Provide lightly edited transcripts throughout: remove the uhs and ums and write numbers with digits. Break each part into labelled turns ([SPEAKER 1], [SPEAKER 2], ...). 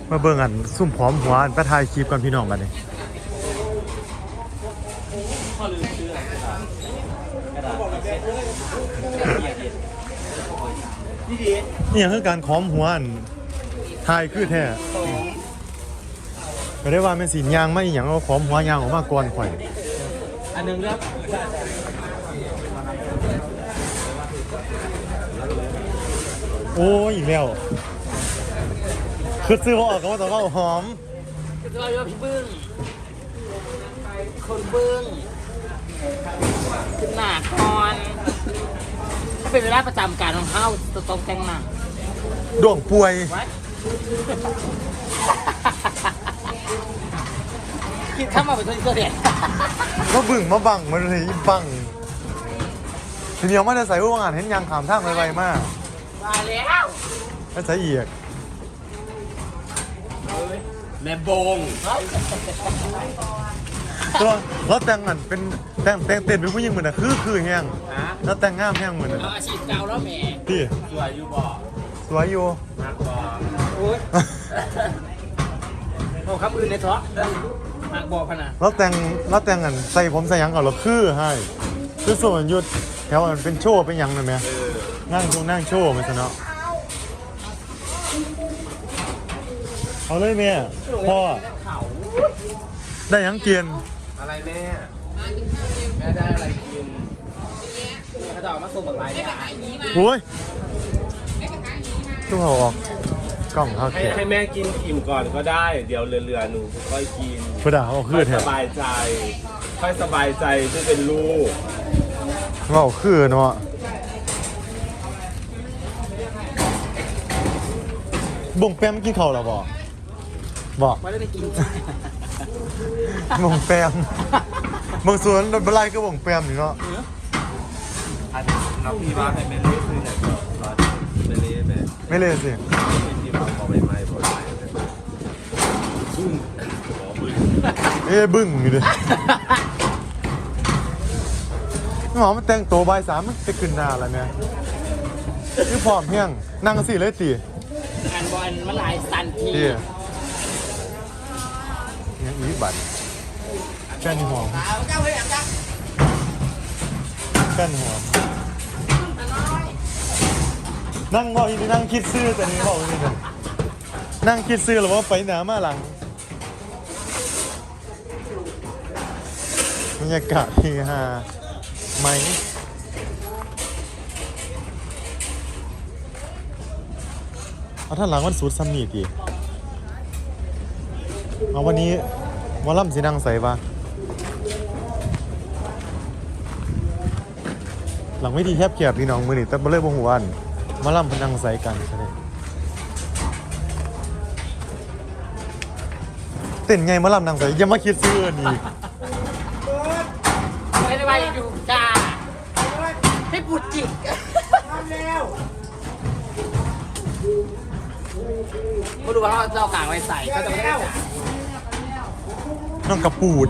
[SPEAKER 1] มาเบิ่งอันซุ่มผอมหัวอันไปถ่ายคลิปกันพี่น้องกันเลยนี่ยังคือการค้อมหัวอันถ่ายคือแท้ก็ได้ว่าเป็นสียางไม่อย่างเอาค้อมหัวยางออกมาก่อนข่อย
[SPEAKER 2] อันนึงครับ
[SPEAKER 1] โอ้ยอีกแล้วคือซื้อว่าออกก็ว่าแต่ว่าหอม
[SPEAKER 2] คือเราอยู่พี่บึ้งคนบึ้งขึ้นหน้าคอนถ้าเป็นเวลาประจำการของเขาจะต้องแต่งหน้า
[SPEAKER 1] ดวงป่วย
[SPEAKER 2] คิดเข้ามาเป็นตัวเด็ด
[SPEAKER 1] มาบึ้งมาบังมาเลยบังทีนี้ไม่ได้ใส่ว่างานเห็นยางขามทางไวๆมาก
[SPEAKER 2] มาแล้ว
[SPEAKER 1] ไม่ใส่เอียก
[SPEAKER 2] แม่บง
[SPEAKER 1] ตัวแล้วแต่งอันเป็นแต่งเต้นเป็นผู้หญิงเหมือนน่ะคือแห้งแล้วแต่งงามแห้งเหมือนน่ะ
[SPEAKER 2] อาชีพเก่าแล้วแม่
[SPEAKER 1] พี่
[SPEAKER 2] สวยอยู่บ่
[SPEAKER 1] สวยอยู่
[SPEAKER 2] มากบ่โอ้ยโอ้คำอื่นในท้อมากบ่พนะ
[SPEAKER 1] แล้วแต่งอันใส่ผมใส่ยังก่อนหรอให้คือส่วนยุดแถวอันเป็นโชว์เป็นยังเลยไหมนั่งโชว์มันซะเนาะเอาเลยแม่พ่อได้ยังเกียน
[SPEAKER 2] อะไรแม่ได้อะไรกินเขาจะออกมาส่งแบบไร
[SPEAKER 1] โอ้ยตู้เขาออกกล่องเขาเขียน
[SPEAKER 3] ให้แม่กินอิ่มก่อนก็ได้เดี๋ยวเหลือๆหนูค่อยกิน
[SPEAKER 1] เพื่อด่าเขาคือแถว
[SPEAKER 3] สบายใจค่อยสบายใจที่เป็นลูก
[SPEAKER 1] เขาคือเนาะบ่งแปมกินข้าวหรอบอก
[SPEAKER 2] ไม่ได้กิน
[SPEAKER 1] บ่งแปมบางส่วนรถบลายก็บ่งแปมอยู่เนาะ
[SPEAKER 3] อันน้องพี่ว่าให้เป็นเล่คือเนี่ยเป็นเล่แบบ
[SPEAKER 1] ไม่เล่สิ
[SPEAKER 3] ที่เราเอาไปไม่พอใจบึ้ง
[SPEAKER 1] บึ้งอยู่เลยหมอมันแต่งตัวใบ3มันจะขึ้นหน้าอะไรเนี่ยนี่พร้อมเพียงนั่งสิเลยตี
[SPEAKER 2] อันบอลมันหลายสันที
[SPEAKER 1] เนี่ยอีบัตรแค่นี้หอมแค่นี้หอมนั่งบอกอีนี่นั่งคิดซื้อแต่นี่บอกอีนี่กันนั่งคิดซื้อหรือว่าไปหนามาหลังบรรยากาศที่ฮาไหมเอาท่านหลังวันสูตรซัมนี่ดีเอาวันนี้วอลล่ำสีนังใส่ปะหลังไม่ดีแคบเกียบพี่น้องมือนี่แต่บ่เลยบ่หัวอันวอลล่ำพนังใส่กันใช่ไหมเต้นไงวอลล่ำนังใส่ยังมาคิดซื้อนี่
[SPEAKER 2] ไม่ได้ไปอยู่จ้าให้ปุดจิกมาดูว่าเขาจะเอากางไว้ใส่ก็จะไม่ได้
[SPEAKER 1] น้องกระปูด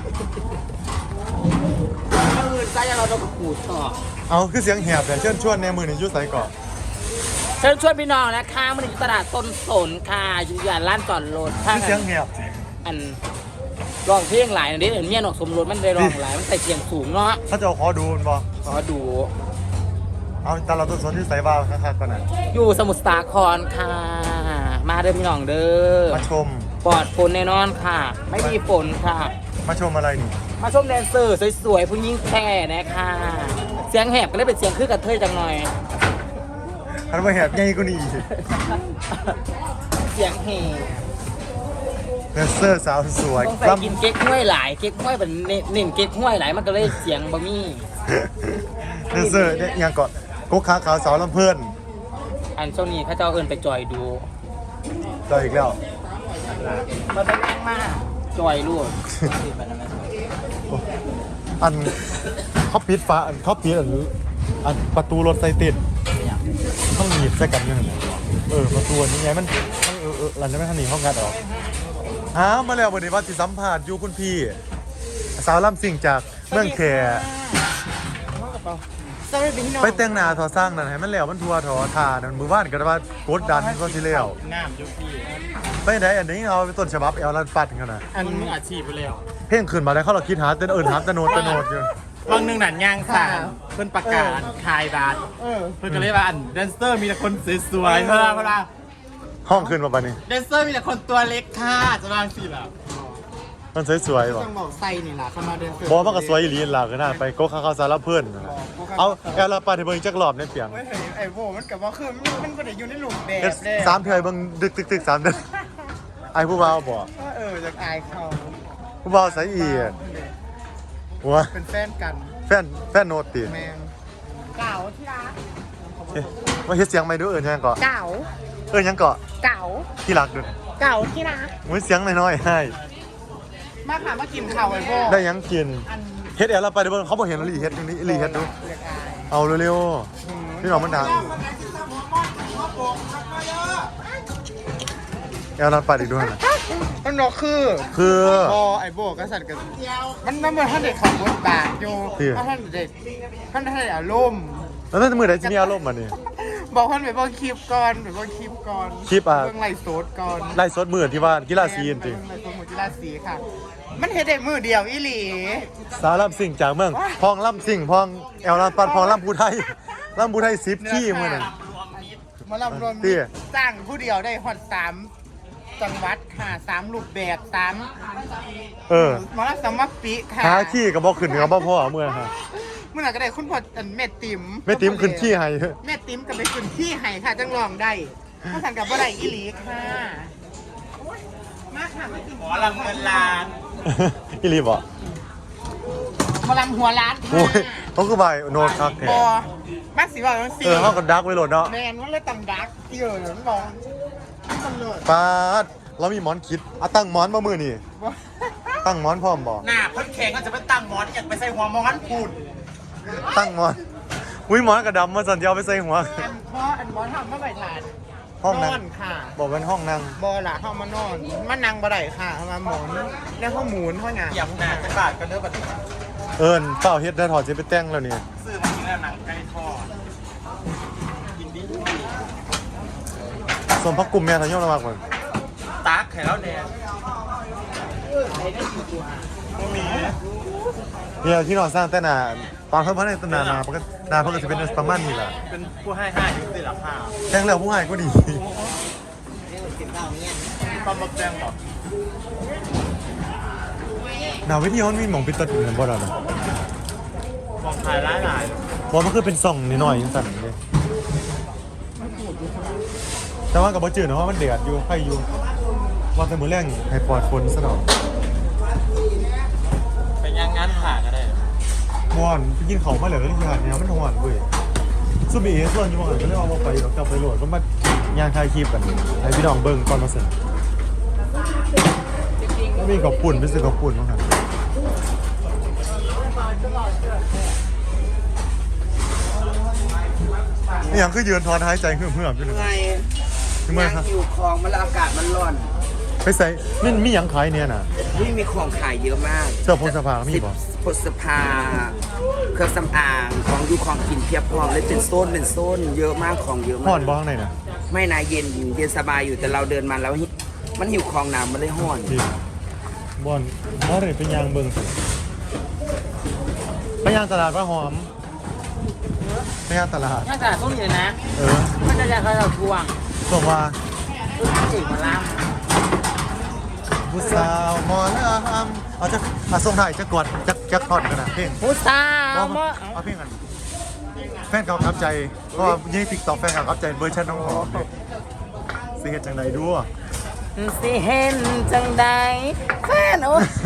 [SPEAKER 2] ใส่เราต้องกระปูดต่อ
[SPEAKER 1] เอาคือเสียงแหบแต่เชิญชวนในมือในยุ้ยใส่ก่อน
[SPEAKER 2] เชิญชวนพี่น้องนะคะมันอยู่ตลาดต้นสนค่ะอยู่ย่านร้านจอดรถ
[SPEAKER 1] คือเสียงแหบ
[SPEAKER 2] อันร้องเพลงหลายนี่เห็นเมียนอกสมรสมันได้ร้องหลายมันใส่เสียงสูงเนาะ
[SPEAKER 1] เขาจะขอดูมันบ่
[SPEAKER 2] ขอดู
[SPEAKER 1] เอาตลาดต้นสนที่ใส่บ้าคักๆก่อนนะ
[SPEAKER 2] อยู่สมุทรสาครค่ะมาเด้อพี่น้องเด้อ
[SPEAKER 1] มาชม
[SPEAKER 2] ปลอดฝนแน่นอนค่ะไม่มีฝนค่ะ
[SPEAKER 1] มาชมอะไรนี่
[SPEAKER 2] มาชมแดนเซอร์สวยๆผู้หญิงแค่นะคะเสียงแหบก็เลยเป็นเสียงคือกับเทยจังหน่อย
[SPEAKER 1] อันว่าแหบใหญ่กว่านี้
[SPEAKER 2] เสียงแหบ
[SPEAKER 1] แดนเซอร์สาวสวย
[SPEAKER 2] ต้องใส่กินเก๊กห้วยหลายเก๊กห้วยเป็นเน้นเก๊กห้วยหลายมันก็เลยเสียงบะมี่
[SPEAKER 1] แดนเซอร์เนี่ยยังก่อนกุ๊กขาขาวสาวลำเพื่อน
[SPEAKER 2] อันช่วงนี้เขาเจ้าเอิญไปจอยดู
[SPEAKER 1] จอยอีกแล้ว
[SPEAKER 2] มาเป็นแรงมากจอยลูก
[SPEAKER 1] อันเขาปิดฟ้าอันเขาปิดอันประตูรถไซติดต้องหนีบใส่กันยังไงประตูนี้ไงมันหลังจากนั้นหนีห้องงัดออกมาแล้ววันนี้ว่าสิสัมภาษณ์อยู่คุณพี่สาวลำสิ่งจากเมืองแข
[SPEAKER 2] จะไม่เป็นที่นอน
[SPEAKER 1] ไปแต่งหน้าทอสร้างนั่นให้มันแล้วมันทัวทอทานั่นมือบ้านก็ว่ากดดันก็สิแล้ว
[SPEAKER 3] น้ำยุพี่
[SPEAKER 1] ไปไหนอันนี้เอาเป็นต้นฉบับเอลลันปัดกันนะ
[SPEAKER 3] อันมืออาชีพไปแล้ว
[SPEAKER 1] เพ่งขึ้นมาได้เขาเราคิดหาเต้นหาตะโนดอยู่
[SPEAKER 3] บางหนึ่งหนันย่างสามเพิ่นประกาศคายบาทเพิ่นก็เลยว่าอันแดนเซอร์มีแต่คนสวยๆเพราะว่า
[SPEAKER 1] ห้องขึ้นมาปะนี่
[SPEAKER 3] แดนเซอร์มีแต่คนตัวเล็กค่ะจะวางสิแบบ
[SPEAKER 1] มันสวยๆว่ะ
[SPEAKER 3] ต้องบอกไส้นี่ล่ะเข้ามาเดินเซอร์
[SPEAKER 1] บอกมันก็สวยอีหลีหลักนะไปโก๊กข้าวสารเพื่อนเอาเอลลันปัดให้เบิ่งจักรอบในเปียง
[SPEAKER 3] ไม่เห็นไอ้โบมันกับว่าคือมันก็ได้อยู่ในหลุมแบ
[SPEAKER 1] เฮ็ด
[SPEAKER 3] บเลย
[SPEAKER 1] สามเทื่อเบิ่งดึกๆ3 เดือนไอ้ผู้บ่าวบ่
[SPEAKER 3] จากอายเขา
[SPEAKER 1] ผู้บ่าวใส่อีหัว
[SPEAKER 3] เป็นแฟนกัน
[SPEAKER 1] แฟนโนติ
[SPEAKER 3] แมง
[SPEAKER 2] เก่าที่รัก
[SPEAKER 1] มาเฮ็ดเสียงใหม่ดูยังเกาะ
[SPEAKER 2] เก่า
[SPEAKER 1] ยังเกาะ
[SPEAKER 2] เก่า
[SPEAKER 1] ที่รักดู
[SPEAKER 2] เก่าที่รัก
[SPEAKER 1] มื้อเสียงน้อยๆให้
[SPEAKER 3] มาค่ะมากินข้าวไอ้โบ
[SPEAKER 1] ได้ยังกินเฮ็ดแอลลันปัดให้เบิ่งเขาบ่เห็นอีหลีเฮ็ดตรงนี้อีหลีเฮ็ดดู
[SPEAKER 3] เรียกอาย
[SPEAKER 1] เอาเร็วๆพี่น้องมันดังแอลลันปัดอีกด้วยนะ
[SPEAKER 3] มันบอกคือ
[SPEAKER 1] คือ
[SPEAKER 3] พอไอ้โบก็สั่นกันมันเหมือนท่านเด็กขับบทบาทอยู่ท่านเด็กท่านได้อารมณ์
[SPEAKER 1] แล้วนั่นมือไหนจะมีอารมณ์มานี่
[SPEAKER 3] บอกท่านไปบอกคลิปก่อนไปบอกคลิปก่อน
[SPEAKER 1] คลิปอ่ะ
[SPEAKER 3] เรื่องไล่โซดก่อน
[SPEAKER 1] ไล่สดมือที่บ้านกีฬาซีนจริง
[SPEAKER 3] ไล่โซดหมู่กีฬาสีค่ะ มันเฮ็ดได้มือเดียวอีหลี
[SPEAKER 1] สารล่ำสิ่งจากเมืองพองล่ำสิ่งพองแอลลันปัดพองล่ำภูไทยล่ำภูไทย10ขี้มือนั่น
[SPEAKER 3] มาลำรวม
[SPEAKER 1] เตี้ย
[SPEAKER 3] สร้างผู้เดียวได้ฮอด3จังหวัดค่ะ3รูปแบบ
[SPEAKER 1] เออ
[SPEAKER 3] มาลำสมัครปีค่ะ
[SPEAKER 1] หาขี้กับบ่ขึ้นกับบ่พ่อเมื่อฮะ
[SPEAKER 3] เมื่อไหร่ก็ได้คุณพ่อแม่ติ๋ม
[SPEAKER 1] ไม่ติ้มขึ้นขี้ให้
[SPEAKER 3] แม่ติ๋มกับไปขึ้นที่ไห้ค่ะจังลองได้ถ้าสั่งกับบ่ได้อีหลีค่ะมาค่ะมากินหมอลำเงินล้าน
[SPEAKER 1] อีหลีบ่
[SPEAKER 3] หมอลำหัวล้าน
[SPEAKER 1] โอ้
[SPEAKER 3] ค่ะ
[SPEAKER 1] ยเขาคือใบโนดคักแท้
[SPEAKER 3] บอมาสิว่าจังซี่
[SPEAKER 1] เฮาก็ดักไว้โหลดเนาะ
[SPEAKER 3] แมนว่าเลยตำดักที่เออมันมองตำรวจ
[SPEAKER 1] ปาดเรามีหมอนคิดอ่ะตั้งหมอนมามือนี่ตั้งหมอนพร้อมบ่
[SPEAKER 3] หน้าเพิ่นแข็งก็จะไปตั้งหมอนอยากไปใส่หัวหมอนพูด
[SPEAKER 1] ตั้งหมอนอุ้ยหมอนกระดำมาสั่นจะเอาไปใส่หัว
[SPEAKER 3] อันหมอนทำมาใบถาน
[SPEAKER 1] ห้องนั่ง
[SPEAKER 3] นอนค่ะ
[SPEAKER 1] บอกเป็นห้องนั่ง
[SPEAKER 3] บอล่ะเข้ามานอนมานั่งบ่ได้ค่ะเข้ามาหมอนแล้วเขาหมุนเขาหยังเหยียบหน้าจะบาดกันเด้อบัดนี้
[SPEAKER 1] เอิ้นเฝ้าเฮ็ดได้ถอดสิไปแต่งแล้วนี่
[SPEAKER 3] ซื้อมากินแล้วหนังไก่ทอดกินดี
[SPEAKER 1] ส่วนพักกลุ่มแม่ทางย่อมระมากกว่า
[SPEAKER 3] ตักไข่แล้วแดงบ่มี
[SPEAKER 1] เนี่ยที่นอนสร้างแต่หนาตอนเพิ่นพัฒนามาเพิ่นก็หนาเพิ่นก็สิเป็นประมาณนี้ล่ะ
[SPEAKER 3] เป็นผู้ให้อยู่สิล่ะค่ะ
[SPEAKER 1] แต่งแล้วผู้ให้ก็ดี
[SPEAKER 3] ตอนมาแปลงบอก
[SPEAKER 1] หนาวิธีมันมีหม่องปิดตาดูเหมือนบ่ล่ะ
[SPEAKER 3] มองถ่ายหลาย
[SPEAKER 1] เพราะมันคือเป็นส่องนิดหน่อยจังซั่นเลยแต่ว่าก็บ่จืดนะเพราะมันเดือดอยู่ไผอยู่ว่าแต่มื้อแรงให้ปลอดฝนซะหน่อย
[SPEAKER 3] ๆเป็นยังงั้นผ่าก็ได้
[SPEAKER 1] ม่วนไปกินข้าวมาแล้วก็ที่หาดเนี่ยมันฮ้อนเว้ยซุบีส่วนอยู่บ่หันก็เลยเอาบ่ไปดอกกลับไปโหลดก็มาย่างถ่ายคลิปกันให้พี่น้องเบิ่งก่อนมาเสร็จแล้วมีกับปุ่นไปซื้อกับปุ่นมาครับนี่ยังคือยืนถอนหายใจเหื่อมๆอยู่นะ
[SPEAKER 4] ไง
[SPEAKER 1] ทำไมครับ
[SPEAKER 4] อยู่คลองมันแล้วอากาศมันร้อน
[SPEAKER 1] ไปใส่นี่มีหยังขายเนี่ยน่ะ
[SPEAKER 4] นี่มีของขายเยอะมาก
[SPEAKER 1] เสื้อโพสภามีบ่
[SPEAKER 4] พฤษภาเครื่องสำอางของดูของกินเพียบพร้อมเลยเป็นโซนเยอะมากของเยอะ
[SPEAKER 1] ห่
[SPEAKER 4] มา
[SPEAKER 1] อก นบ้างไหนน่ะ
[SPEAKER 4] ไม่นายเย็นสบายอยู่แต่เราเดินมาแล้วมันหิวคลองน้ำมันเลยห้อน
[SPEAKER 1] ดีบ่อนบ่ได้เป็นยางเบิ่งสิไปยางตลาดว่าหอมไปยางตลาด
[SPEAKER 2] น่าจะต้องอยู่นะ
[SPEAKER 1] เออ
[SPEAKER 2] มันจะเขาเราทวง
[SPEAKER 1] ส่งว่า
[SPEAKER 2] จีบมาล่
[SPEAKER 1] ผู้สาวหมอลำเอาจะส่งถ่ายจะกดจะทอดกันนะเพลง
[SPEAKER 2] ำผู้สาว
[SPEAKER 1] เอาเพลงกันแฟนเก่าครับใจก็ยี่ติ๊กต็อกแฟนเก่าครับใจเวอร์ชันน้องหอมเนี่ยสิเหตุจังใดดูอะ
[SPEAKER 2] สิเห็นจังใดแฟนโอ้ย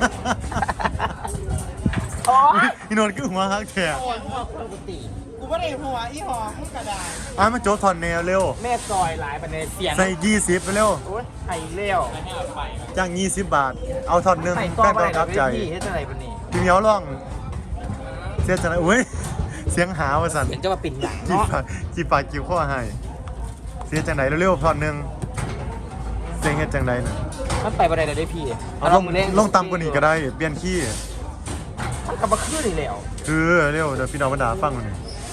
[SPEAKER 2] โอ้ย
[SPEAKER 1] อีนนท์ก็หัวฮักแท้
[SPEAKER 3] กูว่าได้หัวอีหอมกระดาษ
[SPEAKER 1] อ่ะมันโจทอนแนวเร็ว
[SPEAKER 2] แม่ซอยหลายประเด็นเสียง
[SPEAKER 1] ใส่20ไปเร็ว
[SPEAKER 2] โอ้ยไข่เลี้ยว
[SPEAKER 1] จ้าง20 บาท เอาทอนหนึ่ง
[SPEAKER 2] ไข่
[SPEAKER 1] แฟ
[SPEAKER 2] ต้อน ไป
[SPEAKER 1] เก่าครับใจ
[SPEAKER 2] พี่ให้เท่าไหร่ปะนี่
[SPEAKER 1] พี่เหมียวร้องเสียจังไดอุ้ยเสียงหาว่าสั่น
[SPEAKER 2] เห็นจะมาปิ่นหลัง
[SPEAKER 1] จีบ
[SPEAKER 2] เนาะ
[SPEAKER 1] ปากจีบปากจีบข้อให้เสียจังไหนเร็วๆทอนหนึ่งเสียงเฮ็ดจังไหนน่ะ
[SPEAKER 2] มันไปประเด็นได้พี่
[SPEAKER 1] เอาลงต่ำกว่านี้ก็ได้เปลี่ยนขี้
[SPEAKER 2] มันกลับมาขึ้นอีกแล้ว
[SPEAKER 1] คือเร็วเดี๋ยวพี่น้องบรรดาฟังมันอย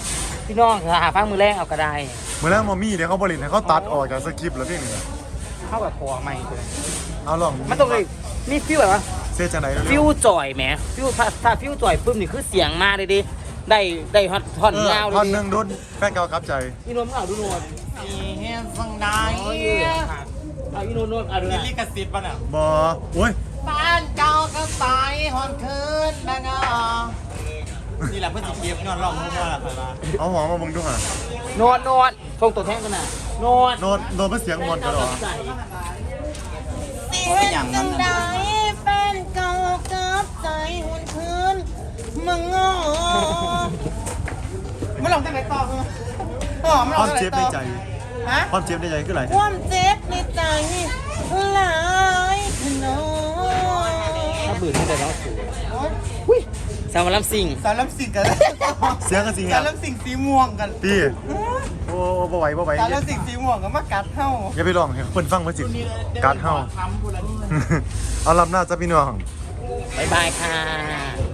[SPEAKER 2] พี่น้องหาฟังมือแรกเอาก็ได้
[SPEAKER 1] เมื่อแรกมอมี่เดี๋ยวเขาบริหารเขาตัดออกจากสคริปต์แล้วพี่นี่
[SPEAKER 2] เข้ากับคอใหม่เลย
[SPEAKER 1] เอาลอง
[SPEAKER 2] มันต้องเลยนี่ฟิวแบบว่า
[SPEAKER 1] เซจังไหน
[SPEAKER 2] ฟิวจ่อยแหมฟิวถ้าฟิวจ่อยปุ๊บนี่คือเสียงมาเลยดิได้ฮอตท่อนยาวเลย
[SPEAKER 1] ท่อน
[SPEAKER 2] ดิ
[SPEAKER 1] หนึ่งโดนแฟนเก่าครับใจ
[SPEAKER 2] อีนนท์เอาดูโนน
[SPEAKER 3] สีเฮียฟังได้
[SPEAKER 2] เอาอีนนท์เอาดู
[SPEAKER 3] ลิ
[SPEAKER 2] นะ
[SPEAKER 3] ลิกสิทธิ์ป่ะน่ะ
[SPEAKER 1] บอโอ้ย
[SPEAKER 3] บ้านเก่าก็สายหอนคืนนะเนาะนี่แหละเพื่อนสิเก็บย้อนร้องมั่วๆล่ะค่ะ
[SPEAKER 1] เอาหัวมาบังดูหะ
[SPEAKER 2] โนนทรงตัวแท่งกันน่ะโนน
[SPEAKER 1] โดนเป็นเสียงมวนกันหรอ
[SPEAKER 2] ใส่
[SPEAKER 3] เป็นอย่างนั้น
[SPEAKER 5] ได้แฟนเก่ากับใจหุ่นคืนมึงงอ
[SPEAKER 3] ไม่ลองได้ไหนต่ออ๋อไม่ล
[SPEAKER 1] ค
[SPEAKER 3] อ
[SPEAKER 1] วาง ม
[SPEAKER 3] ได้ไหน
[SPEAKER 1] เจ็บใน
[SPEAKER 3] ต่อ
[SPEAKER 1] ใจ
[SPEAKER 3] ฮะ
[SPEAKER 1] ความเจ็บในใจคืออะไร
[SPEAKER 5] ความเจ็บในใจหลายขนาด
[SPEAKER 2] ถ้าบืนให้ได้น้องสูอุ้ยสาวมาลำซิง
[SPEAKER 3] สารลำสิงกัน
[SPEAKER 1] เสียงกันสิ
[SPEAKER 3] สา
[SPEAKER 1] เงี้
[SPEAKER 3] ร
[SPEAKER 1] ย
[SPEAKER 3] ลำสิงสีม่วงกัน
[SPEAKER 1] พี่โอ้บ่ไหวบ่ไหว
[SPEAKER 3] สารลำสิงสีม่วงกันมากัดเท่า
[SPEAKER 1] อย่าไปลองให้คนฟังมาสิการเฮา เอาลำหน้าจ้าพี่น้อง
[SPEAKER 2] บ๊ายบายค่ะ